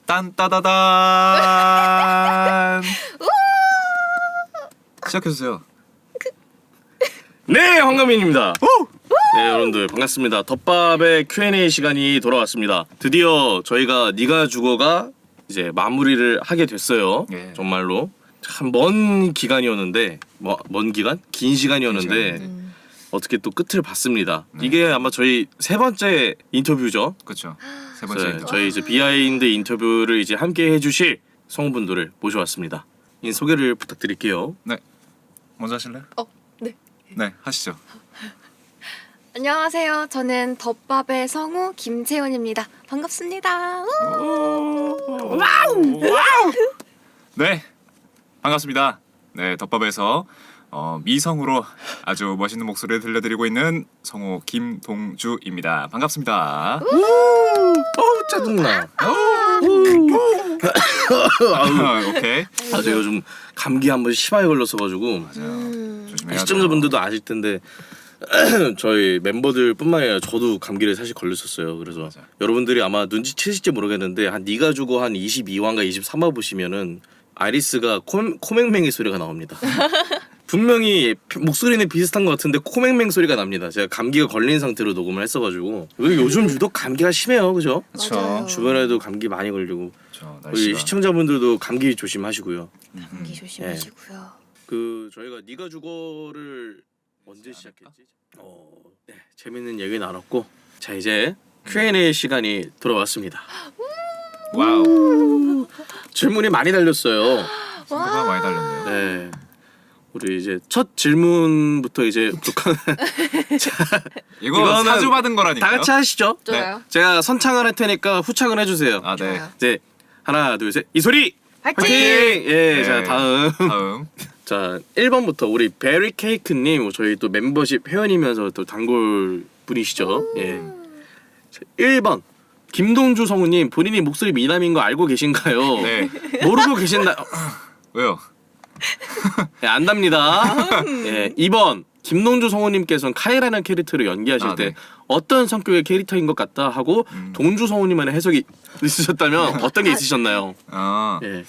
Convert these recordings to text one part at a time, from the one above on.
딴따다단. 시작해주세요. 네, 황가민입니다. 네, 여러분들 반갑습니다. 덮밥의 Q&A 시간이 돌아왔습니다. 드디어 저희가 네가 죽어가 이제 마무리를 하게 됐어요. 예. 정말로 참 먼 기간이었는데 먼 기간? 긴 시간이었는데 어떻게 또 끝을 봤습니다. 네. 이게 아마 저희 세 번째 인터뷰죠. 그렇죠. 세 번째. 네, 저희 이제 비하인드 인터뷰를 이제 함께 해주실 성우분들을 모셔왔습니다. 이 소개를 부탁드릴게요. 네. 먼저 하실래요? 네. 네, 하시죠. 안녕하세요. 저는 덮밥의 성우 김채연입니다. 반갑습니다. 네, 반갑습니다. 네, 덮밥에서 미성으로 아주 멋있는 목소리를 들려드리고 있는 성우 김동주입니다. 반갑습니다. 어우 짜증나. 오케이. 아, 제가 요즘 감기 한번 심하게 걸렸어가지고 맞아요. 조심해야 돼요. 시청자분들도 아실 텐데 저희 멤버들뿐만 아니라 저도 감기를 사실 걸렸었어요. 그래서 맞아요. 여러분들이 아마 눈치채실지 모르겠는데 한 네가 주고 한 22화인가 23화 보시면은 아리스가 코맹맹이 소리가 나옵니다. 분명히 목소리는 비슷한 것 같은데 코맹맹 소리가 납니다. 제가 감기가 걸린 상태로 녹음을 했어가지고 요즘 유독 감기가 심해요, 그죠? 그렇죠. 맞아요. 주변에도 감기 많이 걸리고 그렇죠. 우리 날씨가. 시청자분들도 감기 조심하시고요. 감기 조심하시고요. 그 저희가 네가 죽어를 언제 시작했지? 네, 재밌는 얘기 나눴고 자 이제 Q&A 시간이 돌아왔습니다. 와우. 질문이 많이 달렸어요. 친구가 많이 달렸네요. 네, 우리 이제 첫 질문부터 이제 이거 이거는 사주 받은 거라니까요. 다 같이 하시죠. 좋아요. 제가 선창을 할 테니까 후창을 해주세요. 아, 네. 좋아요. 이제 하나 둘 셋 이소리 화이팅! 화이팅! 예, 네. 자 다음 다음. 자 1번부터 우리 베리케이크님 저희 또 멤버십 회원이면서 또 단골 분이시죠. 예. 자, 1번 김동주 성우님 본인이 목소리 미남인 거 알고 계신가요? 네. 모르고 계신다. 왜요? 네, 안답니다. 예. 2번 김동주 성우님께서는 카이라는 캐릭터를 연기하실 아, 때 네. 어떤 성격의 캐릭터인 것 같다 하고 동주 성우님만의 해석이 있으셨다면 어떤 게 있으셨나요? 아. 예.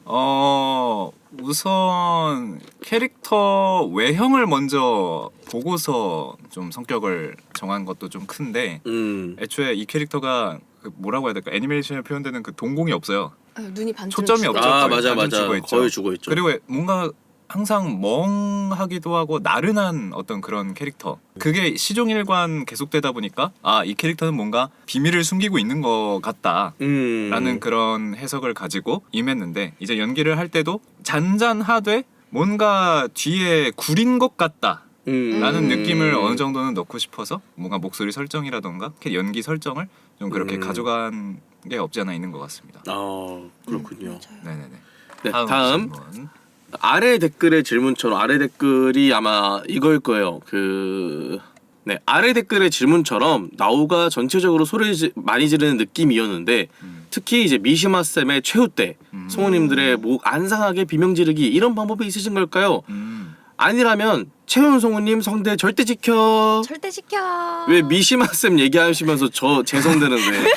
우선 캐릭터 외형을 먼저 보고서 좀 성격을 정한 것도 좀 큰데 애초에 이 캐릭터가 그 뭐라고 해야 될까 애니메이션에 표현되는 그 동공이 없어요. 눈이 반쯤 초점이 죽어 없죠. 있죠. 아 맞아 완전 맞아 죽어있죠. 거의 죽어있죠. 그리고 뭔가 항상 멍하기도 하고 나른한 어떤 그런 캐릭터. 그게 시종일관 계속되다 보니까 아, 이 캐릭터는 뭔가 비밀을 숨기고 있는 것 같다라는 그런 해석을 가지고 임했는데 이제 연기를 할 때도 잔잔하되 뭔가 뒤에 구린 것 같다. 라는 느낌을 어느 정도는 넣고 싶어서 뭔가 목소리 설정이라던가 연기 설정을 좀 그렇게 가져간 게 없지 않아 있는 것 같습니다. 아 그렇군요. 맞아요. 네네네. 네, 다음 다음. 질문. 아래 댓글의 질문처럼 아래 댓글이 아마 이거일 거예요. 네 아래 댓글의 질문처럼 나오가 전체적으로 소리 많이 지르는 느낌이었는데 특히 이제 미시마 쌤의 최후 때 성우님들의 목 안 상하게 비명 지르기 이런 방법이 있으신 걸까요? 아니라면 채훈 성우님 성대 절대 지켜. 절대 시켜. 왜 미시마 쌤 얘기하시면서 제 성대는 왜?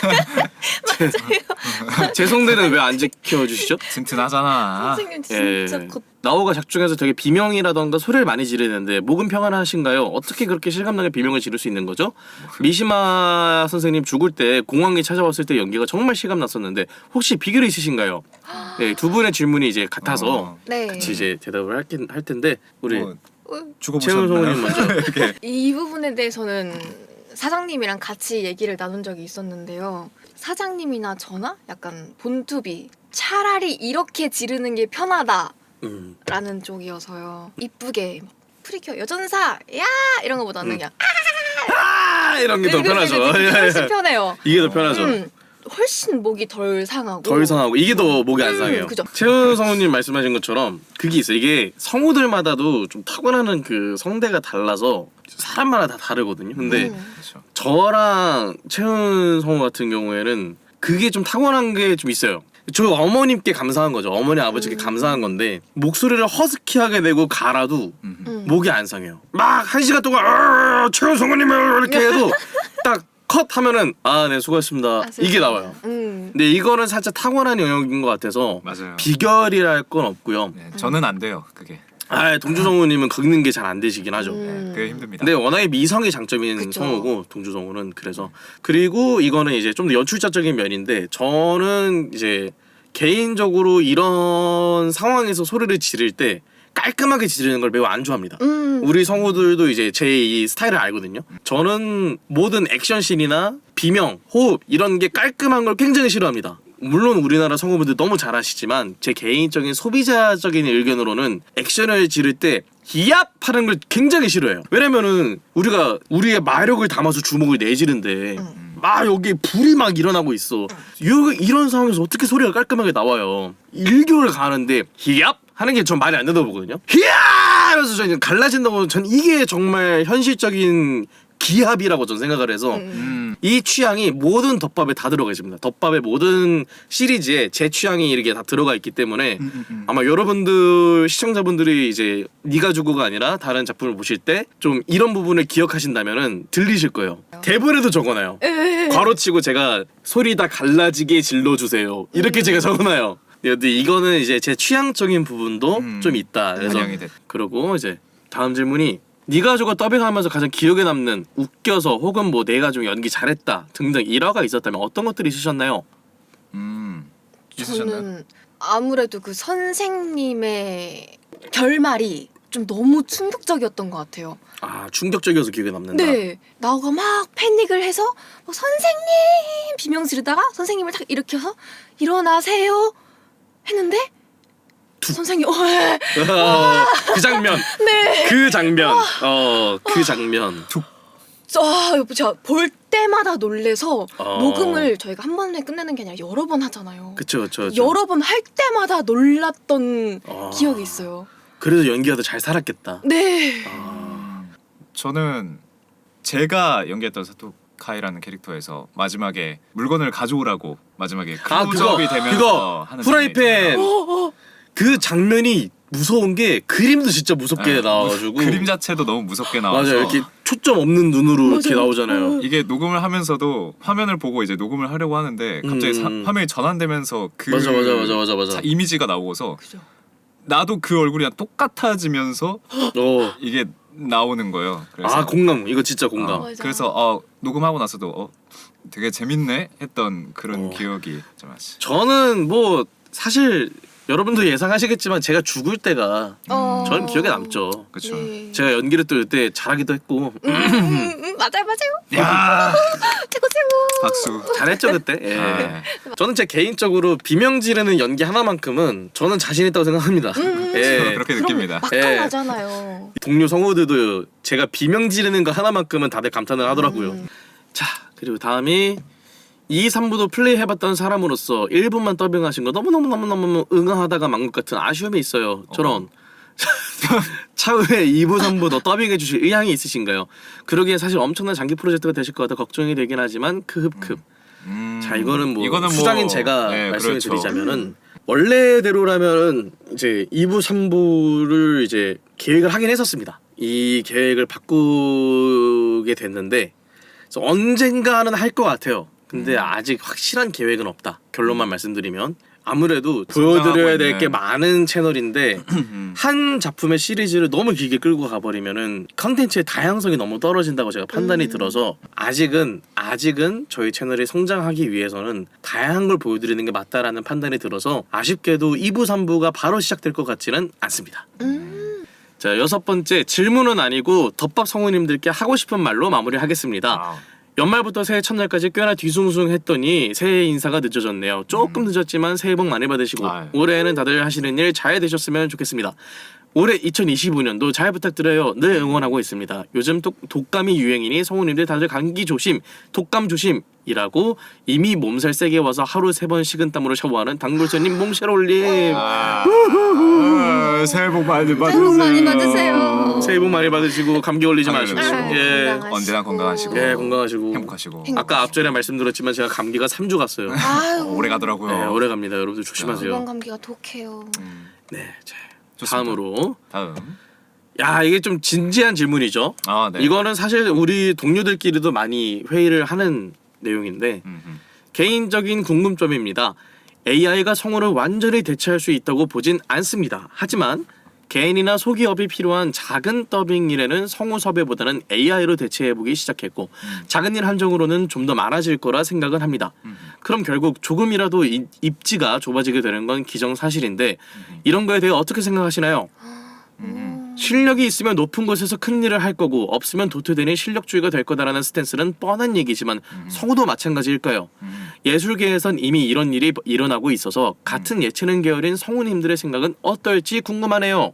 제 성대는 왜 안 지켜주시죠? 튼튼하잖아. 선생님 진짜 곧 나오가 작중에서 되게 비명이라던가 소리를 많이 지르는데 목은 평안하신가요? 어떻게 그렇게 실감나게 비명을 지를 수 있는 거죠? 미시마 선생님 죽을 때 공항에 찾아왔을 때 연기가 정말 실감났었는데 혹시 비결이 있으신가요? 네, 두 분의 질문이 이제 같아서 네. 같이 이제 대답을 할 텐데 우리 뭐 채훈 성우님 죽어보셨나요? 먼저. 이렇게. 이 부분에 대해서는 사장님이랑 같이 얘기를 나눈 적이 있었는데요. 사장님이나 저나 약간 본투비 차라리 이렇게 지르는 게 편하다라는 쪽이어서요. 이쁘게 막 프리큐어 여전사 야 이런 거보다는 그냥 아 이런 게 더 편하죠. 훨씬 편해요. 이게 더 편하죠. 훨씬 목이 덜 상하고 덜 상하고 이게 더 목이 안 상해요. 그죠. 채훈 성우님 말씀하신 것처럼 그게 있어요. 이게 성우들마다도 좀 타고나는 그 성대가 달라서 사람마다 다 다르거든요. 근데 그렇죠. 저랑 채훈 성우 같은 경우에는 그게 좀 타고난 게 좀 있어요. 저 어머님께 감사한 거죠. 어머니 아버지께 감사한 건데 목소리를 허스키하게 내고 갈아도 목이 안 상해요. 막 1시간 동안 채훈 성우님 이렇게 해도 딱 컷 하면은 네 수고하셨습니다 이게 나와요. 근데 이거는 살짝 타고난 영역인 것 같아서 맞아요. 비결이랄 건 없고요. 네, 저는 안 돼요 그게. 동주성우님은 긁는 게 잘 안 되시긴 하죠. 네, 그게 힘듭니다. 근데 워낙에 미성이 장점인 그쵸. 성우고 동주성우는 그래서 그리고 이거는 이제 좀 더 연출자적인 면인데 저는 이제 개인적으로 이런 상황에서 소리를 지를 때 깔끔하게 지르는 걸 매우 안 좋아합니다. 우리 성우들도 이제 제 이 스타일을 알거든요. 저는 모든 액션씬이나 비명, 호흡 이런 게 깔끔한 걸 굉장히 싫어합니다. 물론 우리나라 성우분들 너무 잘하시지만 제 개인적인 소비자적인 의견으로는 액션을 지를 때 히압 하는 걸 굉장히 싫어해요. 왜냐면은 우리가 우리의 마력을 담아서 주먹을 내지는데 막 여기 불이 막 일어나고 있어. 이런 상황에서 어떻게 소리가 깔끔하게 나와요. 일교를 가는데 히압 하는 게 전 말이 안 된다고 보거든요. 히압 하면서 저는 갈라진다고 전 이게 정말 현실적인 기합이라고 저는 생각을 해서 이 취향이 모든 덮밥에 다 들어가 있습니다. 덮밥의 모든 시리즈에 제 취향이 이렇게 다 들어가 있기 때문에 아마 여러분들 시청자분들이 이제 네가 주고가 아니라 다른 작품을 보실 때 좀 이런 부분을 기억하신다면은 들리실 거예요. 대본에도 적어놔요. 괄호치고 제가 소리 다 갈라지게 질러주세요. 이렇게 제가 적어놔요. 근데 이거는 이제 제 취향적인 부분도 좀 있다. 그래서 반영이 됐. 그러고 이제 다음 질문이 네가 저거 더빙하면서 가장 기억에 남는 웃겨서 혹은 뭐 내가 좀 연기 잘했다 등등 일화가 있었다면 어떤 것들이 있으셨나요? 있으셨나요? 저는 아무래도 그 선생님의 결말이 좀 너무 충격적이었던 것 같아요. 충격적이어서 기억에 남는다. 네, 나오가 막 패닉을 해서 선생님 비명 지르다가 선생님을 딱 일으켜서 일어나세요 했는데 선생님 그 장면. 네. 그 장면. 그 장면. 제가 볼 때마다 놀래서 어. 녹음을 저희가 한 번에 끝내는 게 아니라 여러 번 하잖아요. 그쵸. 여러 번 할 때마다 놀랐던 어. 기억이 있어요. 그래서 연기하다 잘 살았겠다. 네. 저는 제가 연기했던 사토카이라는 캐릭터에서 마지막에 물건을 가져오라고 마지막에 클로즈업이 되면서 그거 하는 프라이팬 어. 그 장면이 무서운 게 그림도 진짜 무섭게 네, 나와가지고 그림 자체도 너무 무섭게 나와서 맞아요. 이렇게 초점 없는 눈으로 이렇게 맞아요. 나오잖아요. 이게 녹음을 하면서도 화면을 보고 이제 녹음을 하려고 하는데 갑자기 화면이 전환되면서 그 맞아. 이미지가 나오고서 그죠. 나도 그 얼굴이랑 똑같아지면서 이게 나오는 거예요. 그래서 공감. 이거 진짜 공감. 맞아. 그래서 녹음하고 나서도 되게 재밌네 했던 그런 기억이 좀 나지. 저는 뭐 사실 여러분도 예상하시겠지만 제가 죽을 때가 저는 기억에 남죠. 그렇죠. 네. 제가 연기를 또 이때 잘하기도 했고 맞아요. 야 최고. 박수. 잘했죠 그때. 예. 네. 저는 제 개인적으로 비명 지르는 연기 하나만큼은 저는 자신 있다고 생각합니다. 예. 그렇게 느낍니다. 막강하잖아요. 동료 성우들도 제가 비명 지르는 거 하나만큼은 다들 감탄을 하더라고요. 자 그리고 다음이 2, 3부도 플레이해봤던 사람으로서 1부만 더빙하신 거 너무너무 응하다가 만 것 같은 아쉬움이 있어요. 저런. 차후에 2부, 3부 더 더빙해주실 의향이 있으신가요? 그러기엔 사실 엄청난 장기 프로젝트가 되실 것 같아 걱정이 되긴 하지만 크흡. 자 이거는 뭐 수장인 제가 말씀을 그렇죠. 드리자면은 원래대로라면은 이제 2부, 3부를 이제 계획을 하긴 했었습니다. 이 계획을 바꾸게 됐는데 그래서 언젠가는 할 것 같아요. 근데 아직 확실한 계획은 없다. 결론만 말씀드리면 아무래도 보여드려야 될 게 많은 채널인데 한 작품의 시리즈를 너무 길게 끌고 가버리면은 컨텐츠의 다양성이 너무 떨어진다고 제가 판단이 들어서 아직은 저희 채널이 성장하기 위해서는 다양한 걸 보여드리는 게 맞다라는 판단이 들어서 아쉽게도 2부, 3부가 바로 시작될 것 같지는 않습니다. 자 6번째 질문은 아니고 덮밥 성우님들께 하고 싶은 말로 마무리하겠습니다. 연말부터 새해 첫날까지 꽤나 뒤숭숭했더니 새해 인사가 늦어졌네요. 조금 늦었지만 새해 복 많이 받으시고 올해에는 다들 하시는 일 잘 되셨으면 좋겠습니다. 올해 2025년도 잘 부탁드려요. 늘 응원하고 있습니다. 요즘 독감이 유행이니 성우님들 다들 감기 조심, 독감 조심이라고 이미 몸살 세게 와서 하루 3번 식은땀으로 샤워하는 당돌쇠님 몽쉘올님 새해 복 많이 받으세요. 새해 복 많이 받으세요. 새해 복 많이 받으시고 감기 걸리지 마시고 예. 언제나 건강하시고 건강하시고 행복하시고. 아까 앞전에 말씀드렸지만 제가 감기가 3주 갔어요. 오래 가더라고요. 네, 오래 갑니다. 여러분들 조심하세요. 이번 감기가 독해요. 네, 자, 좋습니다. 다음으로 다음 야 이게 좀 진지한 질문이죠. 아, 네. 이거는 사실 우리 동료들끼리도 많이 회의를 하는 내용인데 개인적인 궁금점입니다. AI가 성우를 완전히 대체할 수 있다고 보진 않습니다. 하지만 개인이나 소기업이 필요한 작은 더빙 일에는 성우 섭외보다는 AI로 대체해보기 시작했고 작은 일 한정으로는 좀 더 많아질 거라 생각은 합니다. 그럼 결국 조금이라도 입지가 좁아지게 되는 건 기정사실인데 이런 거에 대해 어떻게 생각하시나요? 실력이 있으면 높은 곳에서 큰 일을 할 거고 없으면 도태되니 실력주의가 될 거다라는 스탠스는 뻔한 얘기지만 성우도 마찬가지일까요? 예술계에선 이미 이런 일이 일어나고 있어서 같은 예체능 계열인 성우님들의 생각은 어떨지 궁금하네요.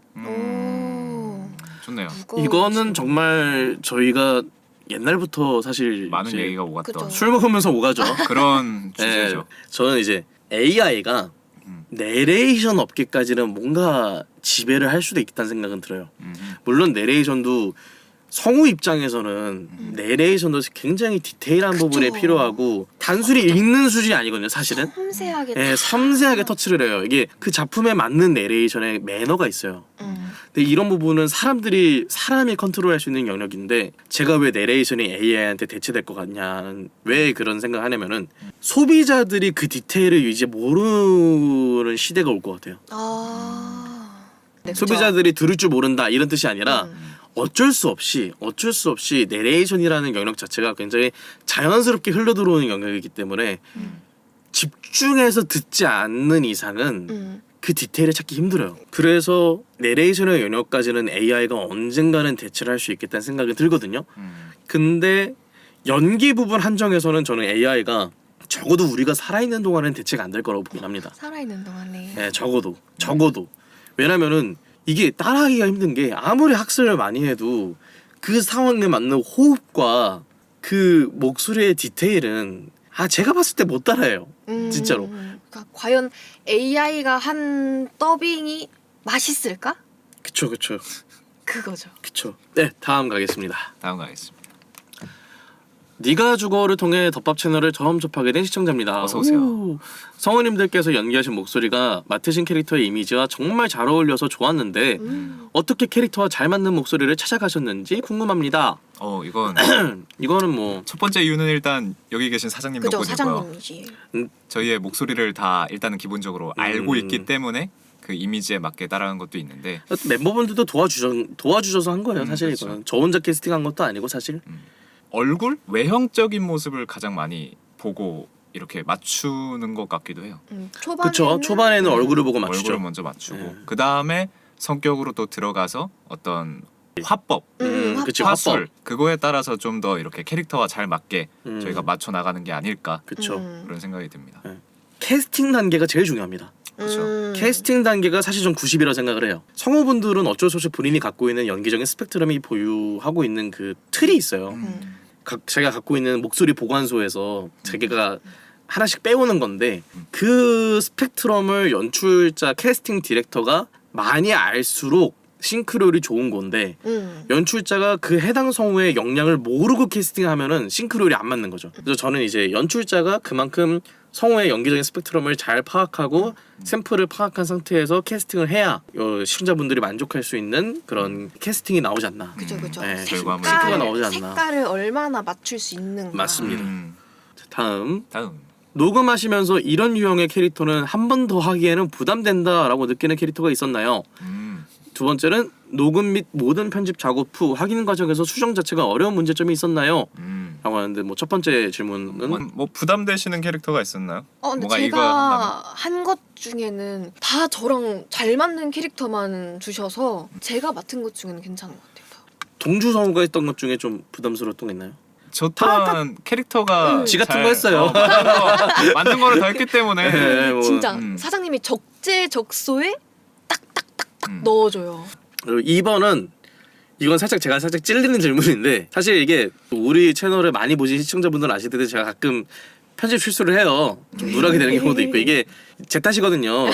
좋네요. 이거는 정말 저희가 옛날부터 사실 많은 이제 얘기가 오갔던 그죠. 술 먹으면서 오가죠. 그런 네, 주제죠. 저는 이제 AI가 내레이션 업계까지는 뭔가 지배를 할 수도 있다는 생각은 들어요. 물론 내레이션도 성우 입장에서는 내레이션도 굉장히 디테일한 부분에 그쵸. 필요하고 단순히 읽는 수준이 아니거든요. 사실은 섬세하게 네, 섬세하게 터치를 해요. 이게 그 작품에 맞는 내레이션의 매너가 있어요. 근데 이런 부분은 사람이 컨트롤할 수 있는 영역인데 제가 왜 내레이션이 AI한테 대체될 것 같냐는 왜 그런 생각을 하냐면은 소비자들이 그 디테일을 이제 모르는 시대가 올 것 같아요. 네, 그쵸. 소비자들이 들을 줄 모른다 이런 뜻이 아니라 어쩔 수 없이 내레이션이라는 영역 자체가 굉장히 자연스럽게 흘러들어오는 영역이기 때문에 집중해서 듣지 않는 이상은 그 디테일을 찾기 힘들어요. 그래서 내레이션의 영역까지는 AI가 언젠가는 대체를 할 수 있겠다는 생각이 들거든요. 근데 연기 부분 한정에서는 저는 AI가 적어도 우리가 살아있는 동안은 대체가 안 될 거라고 보긴 합니다. 살아있는 동안에 네, 적어도 왜냐면은 이게 따라하기가 힘든 게 아무리 학습을 많이 해도 그 상황에 맞는 호흡과 그 목소리의 디테일은 제가 봤을 때 못 따라해요. 진짜로. 그러니까 과연 AI가 한 더빙이 맛있을까? 그쵸. 그거죠. 네, 다음 가겠습니다. 다음 가겠습니다. 네가 주거를 통해 덮밥 채널을 처음 접하게 된 시청자입니다. 어서 오세요. 오. 성우님들께서 연기하신 목소리가 맡으신 캐릭터의 이미지와 정말 잘 어울려서 좋았는데 어떻게 캐릭터와 잘 맞는 목소리를 찾아가셨는지 궁금합니다. 이거는 뭐 첫 번째 이유는 일단 여기 계신 사장님 그죠, 덕분이고요. 사장님이지. 저희의 목소리를 다 일단은 기본적으로 알고 있기 때문에 그 이미지에 맞게 따라간 것도 있는데 멤버분들도 도와주셔서 한 거예요. 사실 그렇죠. 이거는 저 혼자 캐스팅한 것도 아니고 사실. 얼굴 외형적인 모습을 가장 많이 보고 이렇게 맞추는 것 같기도 해요. 그쵸. 초반에는 얼굴을 보고 맞추죠. 얼굴을 먼저 맞추고 네. 그 다음에 성격으로 또 들어가서 어떤 화법, 그치, 화술 화법. 그거에 따라서 좀 더 이렇게 캐릭터와 잘 맞게 음. 저희가 맞춰 나가는 게 아닐까 그쵸. 그런 생각이 듭니다. 캐스팅 단계가 제일 중요합니다. 그렇죠. 캐스팅 단계가 사실 좀 90이라고 생각을 해요. 성우분들은 어쩔 수 없이 본인이 갖고 있는 연기적인 스펙트럼이 보유하고 있는 그 틀이 있어요. 제가 갖고 있는 목소리 보관소에서 자기가 하나씩 빼오는 건데 그 스펙트럼을 연출자 캐스팅 디렉터가 많이 알수록 싱크로율이 좋은 건데 연출자가 그 해당 성우의 역량을 모르고 캐스팅하면은 싱크로율이 안 맞는 거죠. 그래서 저는 이제 연출자가 그만큼 성우의 연기적인 스펙트럼을 잘 파악하고 샘플을 파악한 상태에서 캐스팅을 해야 시청자분들이 만족할 수 있는 그런 캐스팅이 나오지 않나. 그죠. 네, 결과물이 색깔이 나오지 않나. 색깔을 얼마나 맞출 수 있는가. 맞습니다. 다음 다음 녹음하시면서 이런 유형의 캐릭터는 한 번 더 하기에는 부담된다라고 느끼는 캐릭터가 있었나요? 두 번째는 녹음 및 모든 편집 작업 후 확인 과정에서 수정 자체가 어려운 문제점이 있었나요? 라고 하는데 뭐 첫 번째 질문은 뭐 부담되시는 캐릭터가 있었나요? 근데 뭔가 이거 제가 한 것 중에는 다 저랑 잘 맞는 캐릭터만 주셔서 제가 맡은 것 중에는 괜찮은 것 같아요. 동주 성우가 했던 것 중에 좀 부담스러웠던 게 있나요? 저 또한 캐릭터가 지 같은 잘- 거 했어요. 맞는 거를 더 했기 때문에 네, 뭐. 진짜 사장님이 적재적소에 딱딱딱딱 넣어줘요. 그리고 2번은 이건 제가 살짝 찔리는 질문인데 사실 이게 우리 채널을 많이 보신 시청자분들은 아실 텐데 제가 가끔 편집 실수를 해요. 좀 누락이 되는 경우도 있고 이게 제 탓이거든요.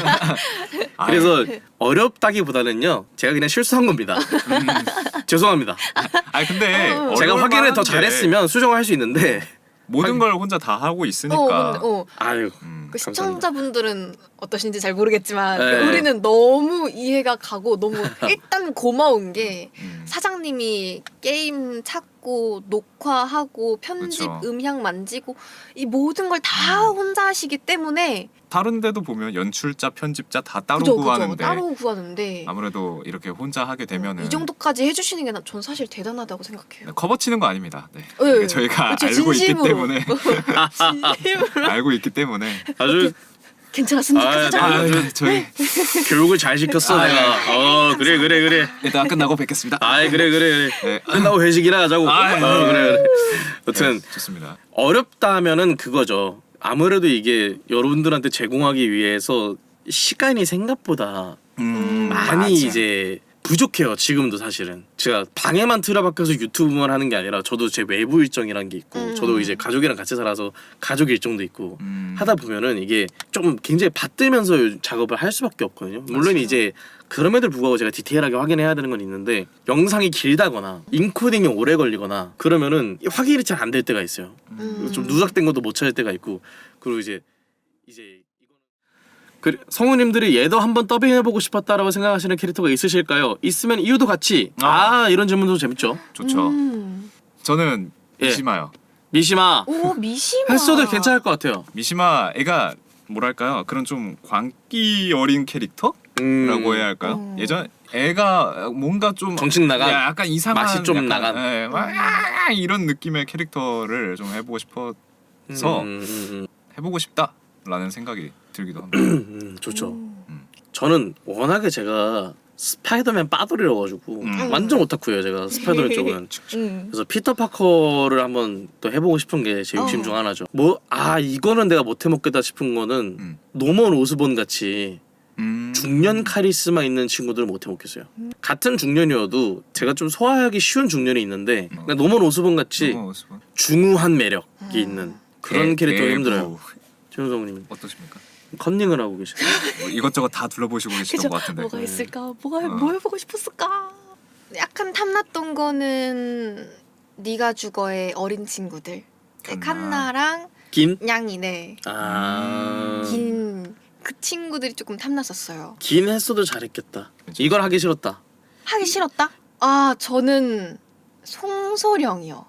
그래서 어렵다기보다는요 제가 그냥 실수한 겁니다. 죄송합니다. 근데 제가 어려울 확인을 더 만한데. 잘했으면 수정을 할 수 있는데 모든 걸 혼자 다 하고 있으니까. 아유. 그 시청자분들은 어떠신지 잘 모르겠지만 네. 우리는 너무 이해가 가고 너무 일단 고마운 게 사장님이 게임 찾고 녹화하고 편집 그쵸. 음향 만지고 이 모든 걸 다 혼자 하시기 때문에 다른 데도 보면 연출자, 편집자 다 따로 그죠, 구하는데 따로 구하는데 아무래도 이렇게 혼자 하게 되면은 이 정도까지 해주시는 게 전 사실 대단하다고 생각해요. 커버 치는 거 아닙니다. 네. 네. 저희가 그쵸, 알고 있기 진심으로. 때문에 진심으로 알고 있기 때문에 아주 괜찮았습니까? 아, 사장님? 저희 교육을 잘 시켰어 내가. 그래. 일단 끝나고 뵙겠습니다. 그래. 네. 끝나고 회식이나 하자고. 그래. 여튼 네, 좋습니다. 어렵다면은 그거죠. 아무래도 이게 여러분들한테 제공하기 위해서 시간이 생각보다 많이 맞아. 이제 부족해요. 지금도 사실은 제가 방에만 틀어박혀서 유튜브만 하는 게 아니라 저도 제 외부 일정이란 게 있고 저도 이제 가족이랑 같이 살아서 가족 일정도 있고 하다 보면은 이게 좀 굉장히 받들면서 작업을 할 수밖에 없거든요. 물론 이제 그럼에도 불구하고 제가 디테일하게 확인해야 되는 건 있는데 영상이 길다거나 인코딩이 오래 걸리거나 그러면은 확인이 잘 안 될 때가 있어요. 좀 누락된 것도 못 찾을 때가 있고 그리고 이제 성우님들이 얘도 한번 더빙해보고 싶었다라고 생각하시는 캐릭터가 있으실까요? 있으면 이유도 같이 이런 질문도 재밌죠. 좋죠. 저는 예. 미시마요. 미시마 오 미시마 했어도 괜찮을 것 같아요. 미시마 애가 뭐랄까요? 그런 좀 광기 어린 캐릭터라고 해야 할까요? 예전 애가 뭔가 좀 정신 나간 약간 이상한 맛이 좀 약간, 나간. 예, 막 이런 느낌의 캐릭터를 좀 해보고 싶어서 해보고 싶다라는 생각이 들기도 합니다. 좋죠. 저는 워낙에 제가 스파이더맨 빠돌이라 가지고 완전 오타쿠예요. 제가 스파이더맨 쪽은. 그래서 피터 파커를 한번 또 해보고 싶은 게 제 욕심 중 하나죠. 이거는 내가 못 해먹겠다 싶은 거는 노먼 오스본 같이 중년 카리스마 있는 친구들을 못 해먹겠어요. 같은 중년이어도 제가 좀 소화하기 쉬운 중년이 있는데 그러니까 노먼 오스본 같이 중후한 매력이 있는 그런 캐릭터가 힘들어요. 최윤성님 어떠십니까? 컨닝을 하고 계시죠. 이것저것 다 둘러보시고 계시던 것 같은데. 뭐가 있을까? 뭐 해보고 싶었을까? 약간 탐났던 거는 네가 죽어의 어린 친구들. 칸나랑 냥이네. 긴 그 친구들이 조금 탐났었어요. 긴 했어도 잘했겠다. 이걸 하기 싫었다. 하기 싫었다? 저는 송소령이요.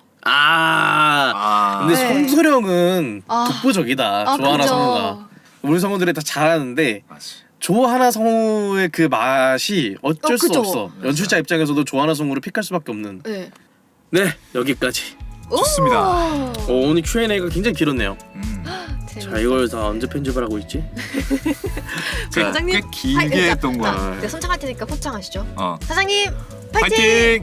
근데 네. 송소령은 독보적이다. 조하나 그죠. 성우가. 우리 성우들이 다 잘하는데 맞지. 조하나 성우의 그 맛이 어쩔 수 그죠. 없어. 연출자 입장에서도 조하나 성우를 픽할 수밖에 없는. 네. 여기까지. 좋습니다. 오늘 Q&A가 굉장히 길었네요. 재밌다. 자, 이걸 다 언제 편집을 하고 있지? 자, 꽤 길게 했던 거야. 내가 선창할 테니까 포창하시죠. 사장님 파이팅!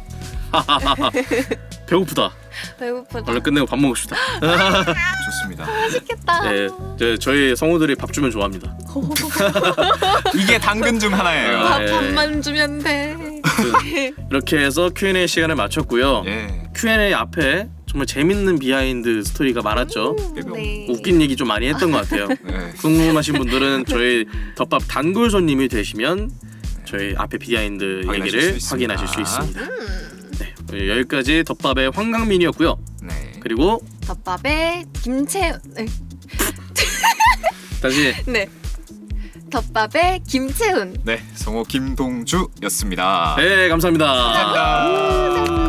배고프다. 배고프다. 얼른 끝내고 밥 먹읍시다. 좋습니다. 맛있겠다. 네, 저희 성우들이 밥 주면 좋아합니다. 이게 당근 중 하나예요. 밥만 주면 돼. 이렇게 해서 Q&A 시간을 마쳤고요. 예. Q&A 앞에 정말 재밌는 비하인드 스토리가 많았죠. 네. 웃긴 얘기 좀 많이 했던 것 같아요. 네. 궁금하신 분들은 저희 덮밥 단골손님이 되시면 저희 앞에 비하인드 얘기를 확인하실 수 있습니다. 네, 여기까지 덮밥의 황강민이었고요. 네. 그리고 덮밥에 김채 다시 네. 덮밥에 김채훈. 네, 성우 김동주였습니다. 네, 감사합니다. 감사합니다.